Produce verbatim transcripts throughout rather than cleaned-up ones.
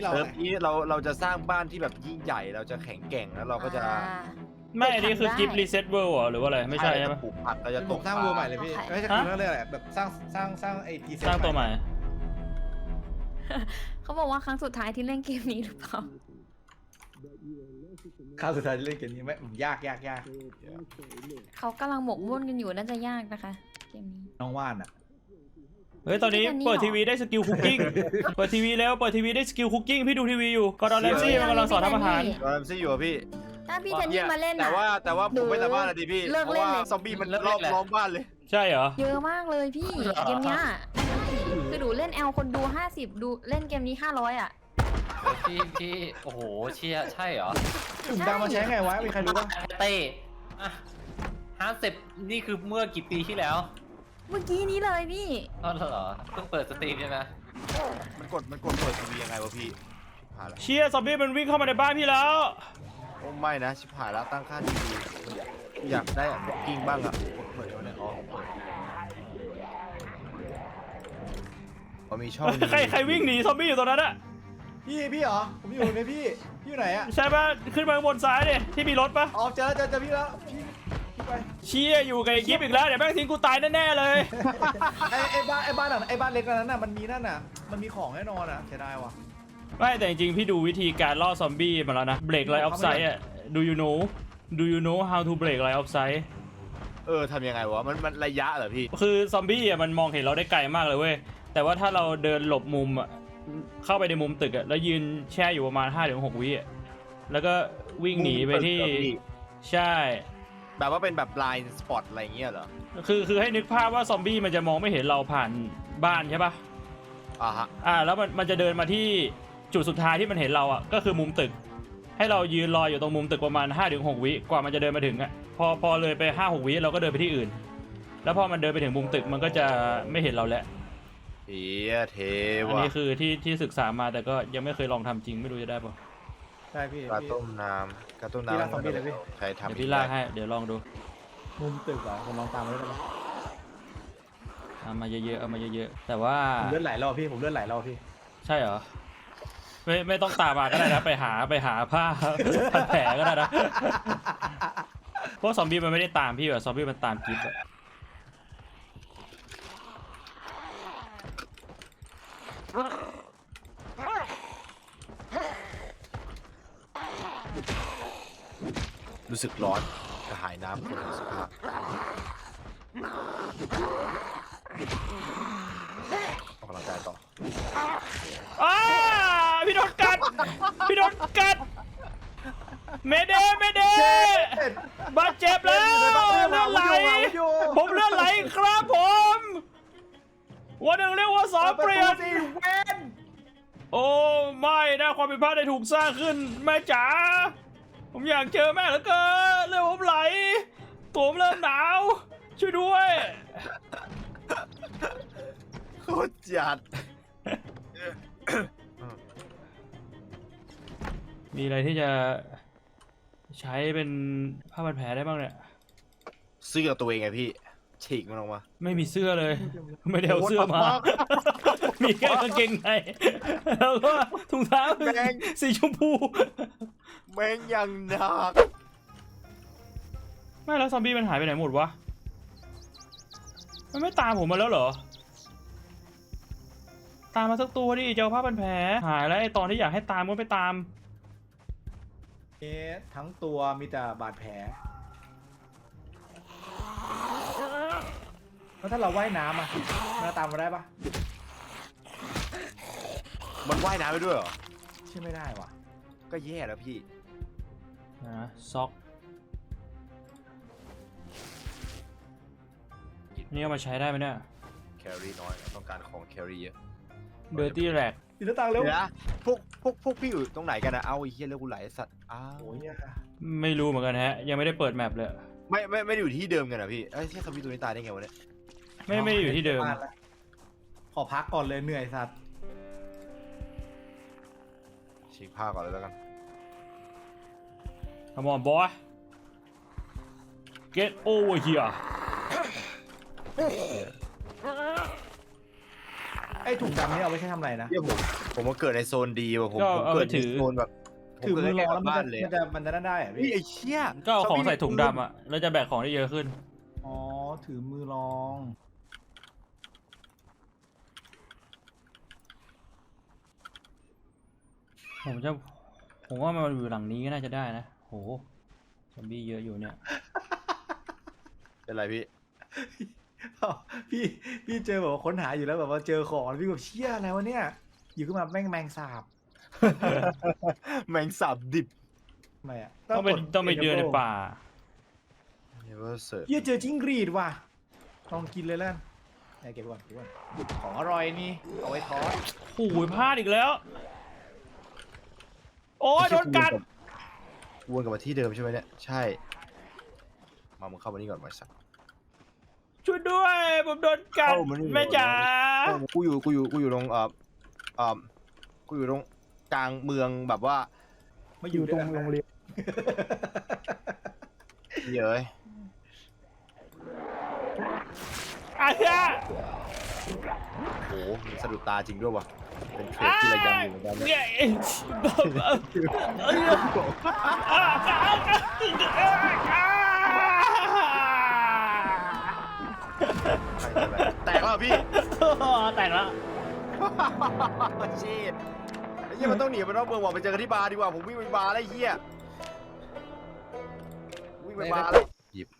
เราเริ่มนี้เราเราจะสร้างบ้านที่แบบยิ่งใหญ่เราจะแข็งแกร่งแล้วเราก็จะไม่อันนี้คือกิฟต์รีเซ็ตเวิลด์หรือว่าอะไรไม่ใช่ใช่ปะปลูกผักเราจะเป็นตผมกสร้างวัวใหม่เลยพี่ไม่ใช่คือเรื่องอะไรแบบสร้างสร้างสร้างไอพีสร้างตัวใหม่เขาบอกว่าครั้งสุดท้ายที่เล่นเกมนี้หรือเปล่าข้าวสุดท้ายเล่นเกมนี้ไม่ยากยากยากเขากำลังหมกมุ่นกันอยู่น่าจะยากนะคะเกมนี้น้องว่านอ่ะเฮ้ยตอนนี้เปิดทีวีได้สกิลคุกกิ้งเปิดทีวีแล้วเปิดทีวีได้สกิลคุกกิ้งพี่ดูทีวีอยู่กอร์ดอนแรมซี่มันกำลังสอนทำอาหารเราทำซี่อยู่อะพี่ถ้าพี่เทนนี่มาเล่นแต่อะว่าแต่ว่าผมไม่สามารถอะดิพี่เลิกเพราะเล่นว่าเลยซอมบี้มันรอบล้อมบ้านเลยใช่เหรอเยอะมากเลยพี่เกมเนี้ยคือดูเล่นแอลคนดูห้าสิบดูเล่นเกมนี้ห้าร้อยอ่ะพี่พี่โอ้โหเชียใช่เหรอถุงดำมาใช้ไงวะมีใครรู้ป่ะเต้อะห้าสิบนี่คือเมื่อกี่ปีที่แล้วเมื่อกี้นี้เลยพี่อ๋อเหรอเพิ่งเปิดสตรีมใช่ไหมมันกดมันกดเปิดทีวียังไงวะพี่ชิบหายแล้วเชียซอมบี้มันวิ่งเข้ามาในบ้านพี่แล้วโอ้ไม่นะชิบหายแล้วตั้งค่าทีวีอยากได้อะบล็อกกิ้งบ้างอะเปิดเนี่ยอ๋อเปิดพอมีช่องนี้ใครใครวิ่งหนีซอมบี้อยู่ตรงนั้นอะพี่พี่เหรอผมอยู่ในพี่พี่อยู่ไหนอ่ะใช่ปะขึ้นมาบนซ้ายดิที่มีรถปะอ๋อเจอเจอเจอพี่แล้วพี่พี่ไปเชียอยู่กับไอ้กิฟต์อีกแล้วเดี๋ยวแม่งทิ้งกูตายแน่ๆเลยไอไอบ้านไอบ้านอ่ะไอบ้านเล็กนั้นน่ะมันมีนั่นน่ะมันมีของแน่นอนอ่ะเสียดายว่ะไม่แต่จริงๆพี่ดูวิธีการล่อซอมบี้มาแล้วนะ break line of sight อะ do you know do you know how to break line of sight เออทำยังไงวะมันมันระยะเหรอพี่คือซอมบี้อะมันมองเห็นเราได้ไกลมากเลยเว้ยแต่ว่าถ้าเราเดินหลบมุมอะเข้าไปในมุมตึกอะแล้วยืนแช่อยู่ประมาณ ห้าถึงหก วิอะแล้วก็วิ่งหนีไปที่มุมตึกเหรอพี่ใช่แบบว่าเป็นแบบ blind spot อะไรเงี้ยเหรอคือคือให้นึกภาพว่าซอมบี้มันจะมองไม่เห็นเราผ่านบ้านใช่ปะอ่าฮะอ่าแล้วมันมันจะเดินมาที่จุดสุดท้ายที่มันเห็นเราอ่ะก็คือมุมตึก ให้เรายืนรออยู่ตรงมุมตึกประมาณ ห้าถึงหก วิกว่ามันจะเดินมาถึงอ่ะพอพอเลยไป ห้าหก วิเราก็เดินไปที่อื่น แล้วพอมันเดินไปถึงมุมตึกมันก็จะไม่เห็นเราแล้วเฮียเทอันวะนี้คือที่ที่ศึกษามาแต่ก็ยังไม่เคยลองทำจริงไม่รู้จะได้ปะใช่พี่กระพี่ต้มน้ำกระต้มพี่น้ำลากซอมบี้เลยพี่ใช้ทำเดี๋ยวพี่ลากให้เดี๋ยวลองดูมุมตึกเหรอผมลองตามมาได้ไหมเอามาเยอะๆเอามาเยอะๆแต่ว่าผมเลื่อนไหลรอบพี่ผมเลื่อนไหลรอบพี่ใช่เหรอไม่ไม่ต้องตามมาก็ได้นะไปหาไปหาผ้า พันแผลก็ได้นะเพราะซอมบี้มันไม่ได้ตามพี่แบบซอมบี้มันตามกิฟต์อะรู้สึกร้อนกระหายน้ำคนสภาพออกกำลังกายต่ออ้าพี่โดนกัดพี่โดนกัดเมเดเมเดบาดเจ็บแล้วเลือดไหลผมเลือดไหลครับผมวันหนึ่งเรียกว่าสองเปลี่ยนโอ้ไม่นะความผิดพลาดได้ถูกสร้างขึ้นแม่จ๋าผมอยากเจอแม่เหลือเกินเลือดผมไหลตัวผมเริ่มหนาวช่วยด้วยโคตรจัดมีอะไรที่จะใช้เป็นผ้าพันแผลได้บ้างเนี่ยเสื้อตัวเองไงพี่ฉีกมันออกมาไม่มีเสื้อเลย ไม่ได้เอาเสื้อมา มีแค่กางเกงในแล้วก็ถุงเท้าสีชมพูแม่งยังหนักไม่แล้วซอมบี้มันหายไปไหนหมดวะ มันไม่ตามผมมาแล้วเหรอ ตามมาสักตัวดิเจ้าผ้าพันแผลหายแล้วไอตอนที่อยากให้ตามก็ไม่ตามเอ๊ะทั้งตัวมีแต่บาดแผลแล้วถ้าเราว่ายน้ำอ่ะมันตามมาได้ปะมันว่ายน้ำไปด้วยเหรอใช่ไม่ได้ว่ะก็แย่แล้วพี่นะซ็อกนี่เอามาใช้ได้ไหมเนี่ยแครี่น้อยต้องการของแครี่เยอะเดอร์ตี้แร็กติดหน้าต่างเร็วเดี๋ยวนะพวกพวกพวกพี่อยู่ตรงไหนกันนะเอาไอ้เหี้ยเรื่องกูไหลสัตว์อ้าวโอ้ยเนี่ยไม่รู้เหมือนกันฮะ ยังไม่ได้เปิดแมปเลยไม่ไม่ไม่ได้อยู่ที่เดิมกันนะพี่เอ้ยที่ซอมบี้ตัวนี้ตายได้ไงวะเนี่ยไม่ไม่ได้อยู่ที่เดิมขอพักก่อนเลยเหนื่อยสัตว์ฉีกผ้าก่อนเลยแล้วกัน Come on boy get over here ไอ้ถุงดำนี่เอาไว้ใช้ทำอะไรนะเหี้ยผมผมมาเกิดในโซนดีว่ะผมก็ผมเอาเกิไปดในถือโซนแบบผมถือเกิดมือใกรล้องๆแล้วกับมันบ้าจะนเลยมันจะมันจะได้อะนี่พี่ไอ้เชี่ยก็เอาของใส่ถุงซอมบี้ดำอ่ะแล้วจะแบกของได้เยอะขึ้นอ๋อถือมือรองผมจะผมว่ามันอยู่หลังนี้ก็น่าจะได้นะโหซอมบี้เยอะอยู่เนี่ยเป็นไรพี่พี่พี่เจอแบบว่าค้นหาอยู่แล้วแบบว่าเจอของพี่แบบเชี่ยอะไรวะเนี่ยอยู่ขึ้นมาแม่งแมงสาบแมงสาบดิบทำไมอ่ะต้องไปกดต้องไปเดินในป่า Never serve เหี้ยเจอจิ้งหรีดว่ะลองกินเลยแล้วกันไหนเก็บไว้ก่อนเก็บไว้ก่อนของอร่อยนี่เอาไว้ทอดโอ้ยพลาดอีกแล้ว โอ้ยโดนกัดวนกลับมาที่เดิมใช่ไหมเนี่ยใช่มามึงเข้ามานี่ก่อนมาสักช่วยด้วยผมโดนกัดเข้ามานี่แม่จ๋าเอ้ากูอยู่กูอยู่กูอยู่ตรงเอ่อเอ่อกูอยู่ตรงกลางเมืองแบบว่ามาอยู่ตรงโรงเรียนเย้ยอาเฮียโอ้โหมันสะดุดตาจริงด้วยว่ะเป็นเทรดที่ระยำอยู่เหมือนกันเนี่ยเนี่ยแตกแล้วพี่แตกแล้วชีดไอ้เหี้ยมันต้องหนีไปนอกเมืองว่ะไปเจอกันที่บาร์ดีกว่าผมวิ่งไปบาร์แล้วไอ้เหี้ยวิ่งไปบาร์เลยหยิบ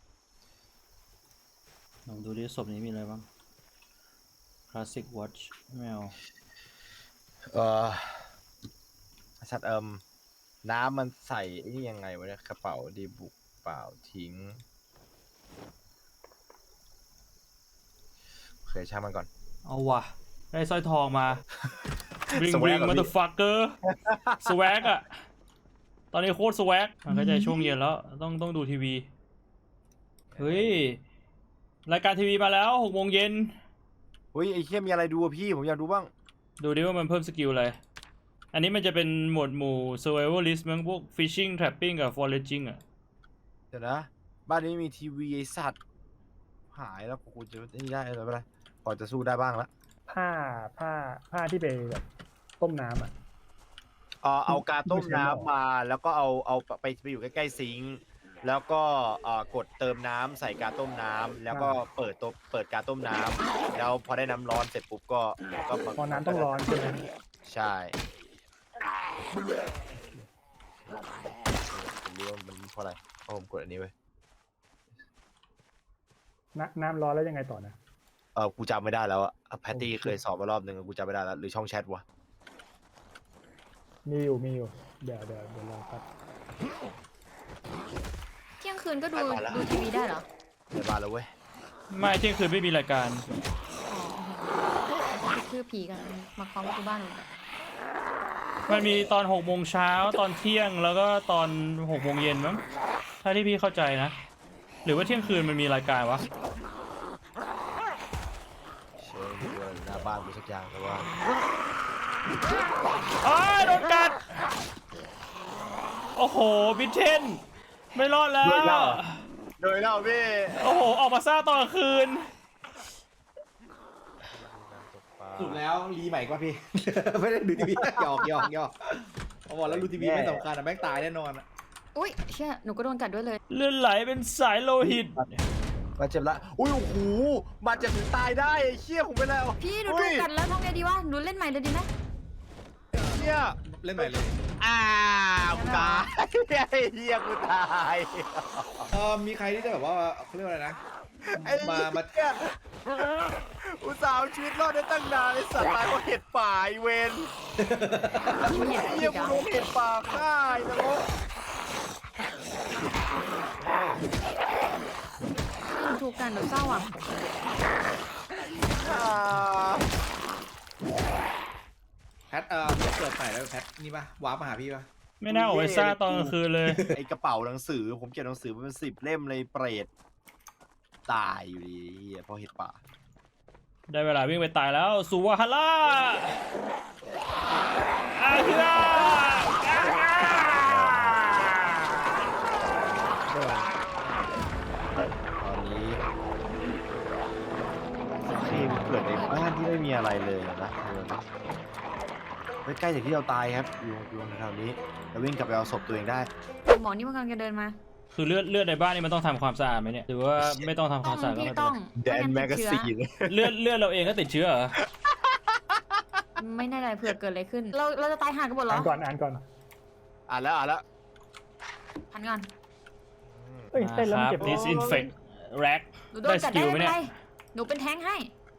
ลองดูดิศพนี้มีอะไรบ้าง Classic Watch แมวเออชัดเอิมน้ำมันใส่ไอ้นี่ยังไงวะเนี่ยกระเป๋าดีบุกเปล่าทิ้งโอเคช่างมันก่อนเอาว่ะ ได้สร้อยทองมา Bling สแวก Bling เหรอพี่ Motherfucker สวกอะตอนนี้โคตรสวกมันก็จะช่วงเย็นแล้ว ต้องต้องดูทีวี เฮ้ย รายการทีวีมาแล้วหกโมงเย็นเฮ้ยไอ้เหี้ยมีอะไรดูอะพี่ผมอยากดูบ้างดูดิว่ามันเพิ่มสกิลอะไร อันนี้มันจะเป็นหมวดหมู่ survivalist มั้งพวก fishing trapping กับ foraging อะเดี๋ยวนะบ้านนี้มีทีวีไอ้สัตว์หายแล้วกูจะนี่ได้อะไรไม่ได้พอจะสู้ได้บ้างละผ้าผ้าผ้าที่ไปแบบต้มน้ำอ่ะเออเอากาต้มน้ำมาแล้วก็เอาเอาไปไปอยู่ใกล้ๆซิงค์แล้วก็เอ่อกดเติมน้ำใส่กาต้มน้ำแล้วก็เปิดตัวเปิดกาต้มน้ำแล้วพอได้น้ำร้อนเสร็จปุ๊บก็ก็มาพอน้ำต้องร้อนใช่ไหมใช่ผมรู้ว่ามันเพราะอะไรเพราะผมกดอันนี้ไว้น้ำน้ำร้อนแล้วยังไงต่อนะเออกูจำไม่ได้แล้วอะแพตตี้เคยสอบมารอบหนึ่งกูจำไม่ได้แล้วหรือช่องแชทวะมีอยู่มีอยู่เดี๋ยวเดี๋ยวเดี๋ยวรอครับเที่ยงคืนก็ดูดูทีวีได้เหรอในบ้านแล้วเว้ยไม่เที่ยงคืนไม่มีรายการคือผีกันมาเคาะประตูบ้านหนูมันมีตอนหกโมงเช้าตอนเที่ยงแล้วก็ตอนหกโมงเย็นมั้งถ้าที่พี่เข้าใจนะ หรือว่าเที่ยงคืนมันมีรายการวะเชิญดูหน้าบ้านกูสักอย่างแต่ว่าอ้ายโดนกัด โอ้โหบิทเทน ไม่รอดแล้วโดยเล่าโดยเล่าพี่โอ้โห ออกมาซ่าตอนกลางคืนสุดแล้วรีใหม่กว่าพี่ ไม่ได้ดูทีวีหยอกหยอกหยอกเอาบอกแล้วดูทีวีไม่สำคัญอะแม่งตายแน่นอนอะอุ้ยเชี่ยหนูก็โดนกัดด้วยเลยเลือดไหลเป็นสายโลหิตบาดเจ็บละอุ้ยโอ้โหบาดเจ็บถึงตายได้ไอ้เชี่ยผมไปแล้วพี่หนูอุ้ถูยกกัดแล้วทำไงดีวะหนูเล่นใหม่เลยดีไหมเชี่ยเล่นใหม่เลยอ้าวกูตายไอ้เหี้ยกูตายเออมีใครที่จะแบบว่าเขาเรียกว่าอะไรนะไอ้มามาเหี้ยอุตส่าห์เอาชีวิตรอดได้ตั้งนานไอ้สัตว์ตายเพราะเห็ดป่าไอ้เวนมีเห็ดไอ้ผิเหี้ยดกูอ่ะโดนเห็ดป่าฆ่าไอ้นรกหนูถูกกันหนูเศร้าอ่ะอ่าแพทเออเกิดใหม่แล้วแพทนี่ปะวาร์ปมาหาพี่ปะไม่น่าออกไปซ่าตอนกลางคืนเลยไอ้กระเป๋าหนังสือผมเก็บหนังสือมาเป็นสิบเล่มเลยเปรตตายอยู่ดีไอ้เหี้ยเพราะเห็ดป่าได้เวลาวิ่งไปตายแล้วสุวาฮาร่าอาฮิราตอนนี้ทีมเกิดในบ้านที่ไม่มีอะไรเลยใกล้ๆจากที่เราตายครับอยู่อยู่แถวๆนี้เราวิ่งกลับไปเอาศพตัวเองได้หมอนี่มันกำลังจะเดินมาคือเลือดเลือดในบ้านนี่มันต้องทำความสะอาดไหมเนี่ยหรือว่าไม่ต้องทำคต้วาอมงสะอาดก็พี่ไม่เป็นต้องไรแดนแมไม่กกางั้นซีติดนเลือดเลือดเราเองก็ติดเชื้อเหรอไม่แน่ใจเผื่อเกิดอะไรขึ้น เราเราจะตายห่ากันหมดเหรอ่าอนก่อนอ่านก่อนอ่านแล้วอ่านแล้วพันก่อนเอ้ยเต้นแล้วมันเจ็บ disinfect rack หนูโดนได้สกัดกิได้ลไหมไม่เนี่เป็นยไรหนูเป็นแท้งให้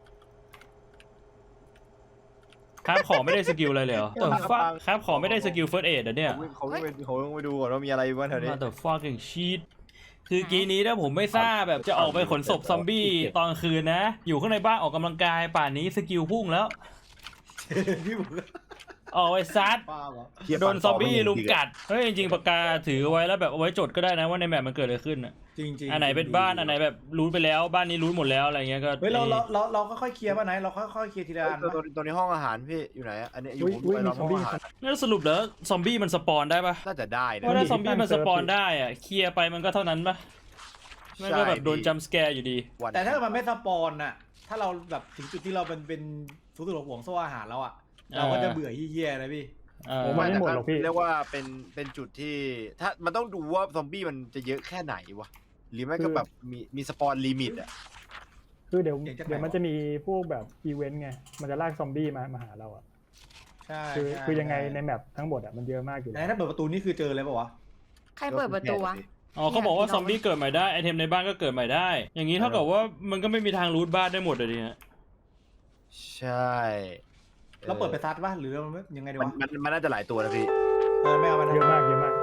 ครับของไม่ได้สกิลอะไรเลยเหรอ The fuck ครับของไม่ได้สกิล first aid เหรอเนี่ยเขาวิ่งไปเขาวิ่งไปดูก่อนว่ามีอะไรบ้างแถวนี้ The fucking shit คือกี้นี้ถ้าผมไม่ทราบแบบจะออกไปขนศพซอมบี้ตอนคืนนะ อยู่ข้างในบ้านออกกำลังกายป่านนี้สกิลพุ่งแล้วพี่ผมออกไปซัดป้าเหรอเหี้ยโดนซอมบี้ปั่นต่อลุมกัด เฮ้ยจริงๆปากกาถือไว้แล้วแบบเอาไว้จดก็ได้นะว่าในแมปมันเกิดอะไรขึ้นอ่ะจริงจริงอันไหนเป็นบ้านอันไหนแบบรู้ไปแล้วบ้านนี้รู้หมดแล้วอะไรเงี้ยก็เฮ้ยเราเราเราเราค่อยๆเคลียร์ป่ะไหนเราค่อยๆเคลียร์ทีละอันตัวป่ะตัวนี้ห้องอาหารพี่อยู่ไหนอะอันนี้อยู่อุ้ยอุ้ยไปมีรอบซอห้มองบี้อาหารแล้วสรุปแล้วซอมบี้มันสปอนได้ปะน่าจะได้เพนะราะถ้ามีซอมบี้มันสปอนได้อะเคลียร์ไปมันก็เท่านั้นปะมันก็แบบโดนจัมป์สแกร์อยู่ดีวันแต่ถ้าเกิดมันไม่สปอนน่ะถ้าเราแบบถึงจุดที่เราเป็นเป็นสูงสุดของห่วงโซ่อาหารแล้วอ่ะเราก็จะเบื่อเหี้ยๆนะพี่เออผมว่า ไม่หมดหรอกพี่เรียกว่าเป็นเป็นจุดที่ถ้ามันต้องดูว่าซอมบี้มันจะเยอะแค่ไหนวะหรือไม่ก็แบบมีมีสปอนลิมิตอ่ะคือเดี๋ยวเก่งจังเดี๋ยวไหนมันจะมีพวกแบบอีเวนต์ไง มันจะลากซอมบี้มามาหาเราอ่ะใช่คือใช่คือยังไงในแมปทั้งหมดอ่ะมันเยอะมากอยู่ไหนถ้าเปิดประตูนี่คือเจอเลยป่าวะใครเปิดประตูวะอ๋อเขาบอกว่าซอมบี้เกิดใหม่ได้ไอเทมในบ้านก็เกิดใหม่ได้ อย่างนี้เท่ากับว่ามันก็ไม่มีทางรูทบ้านได้หมดเลยดิฮะใช่เราเปิดไปซัดป่ะหรือเราไม่ยังไงดีมันวะมันมันน่าจะหลายตัวนะพี่เออไม่เอามันเยอะมากเยอะมาก